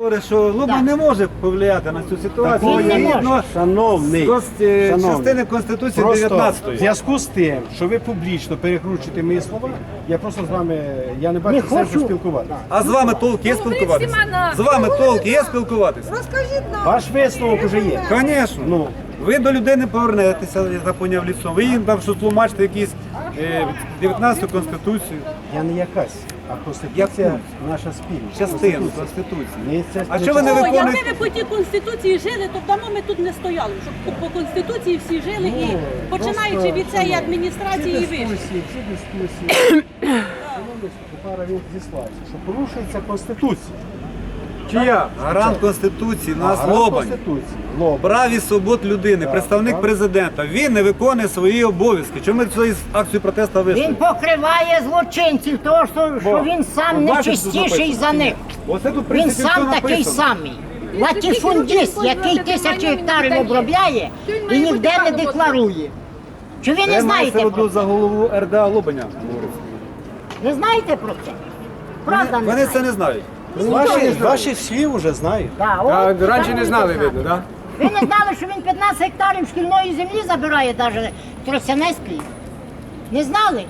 говорить, що Лубан не може повлияти на цю ситуацію. Він не Згідно може. Шановний, частини Конституції просто 19-ї. в зв'язку з тим, що ви публічно перекручуєте мої слова, я просто з вами, я не бачу Не сенсу хочу. спілкуватися. А з вами толк є спілкуватися? З вами толк є спілкуватися? Розкажіть нам. Ваш висновок уже є. Звісно. Ну, Ви до людини повернетеся, я так поняв, лісом. Ви їм там щось тлумачите якісь 19-ту Конституцію. я не якась, а Конституція наша спільна. Частину Конституції. Ні, це А не що ви не частина. виконуєте? Якби ви по тій Конституції жили, то давно ми тут не стояли, щоб по Конституції всі жили і починаючи від цієї адміністрації і вище. Всі дискусії. Шановний Пара він зіслався, що порушується Конституція. Чия? Гарант Конституції, нас Гарант Лобань. Конституції. Лобань. Прав і свобод людини, представник так. президента. Він не виконує свої обов'язки. Чому ми цю акцію протесту вийшли? Він покриває злочинців, тому що він сам не бачите, тут чистіший написано? за них. Оце тут в Він принципі сам все такий написано. самий. Латифундіст, який тисячі гектарів обробляє і ніде не декларує. Чи ви не Це мається знаєте в про виду це? за голову РДА Лобаня. Не знаєте про це? Правда не Вони це знаєте? не знають. Ваших слів вже знають. Да, от, Раніше так не знали, ви видно, так? Ви не знали, що він 15 гектарів шкільної землі забирає навіть Тростянецької? Не знали?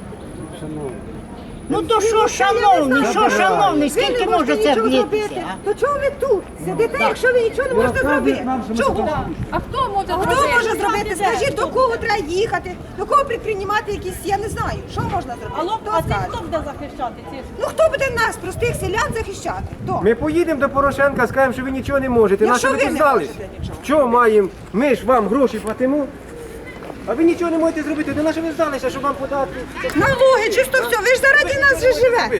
Ну то що, шановний, скільки може це влітися? То чого ви тут сидите, якщо ви нічого не можете зробити? Чого? А хто може Хто може зробити? Скажіть, до кого треба їхати, до кого приймати якісь, я не знаю, що можна зробити? Алло, Хто а це скаже? хто буде захищати ці? Ну хто буде нас, простих селян, захищати? Хто? Ми поїдемо до Порошенка, скажемо, що ви нічого не можете. Якщо Нащо ви ви тут не здались? можете нічого. Що маємо? Ми ж вам гроші платимо. А ви нічого не можете зробити. До нашого ви здалися, щоб вам подати. Налоги, чисто все, ви ж заради нас же живете.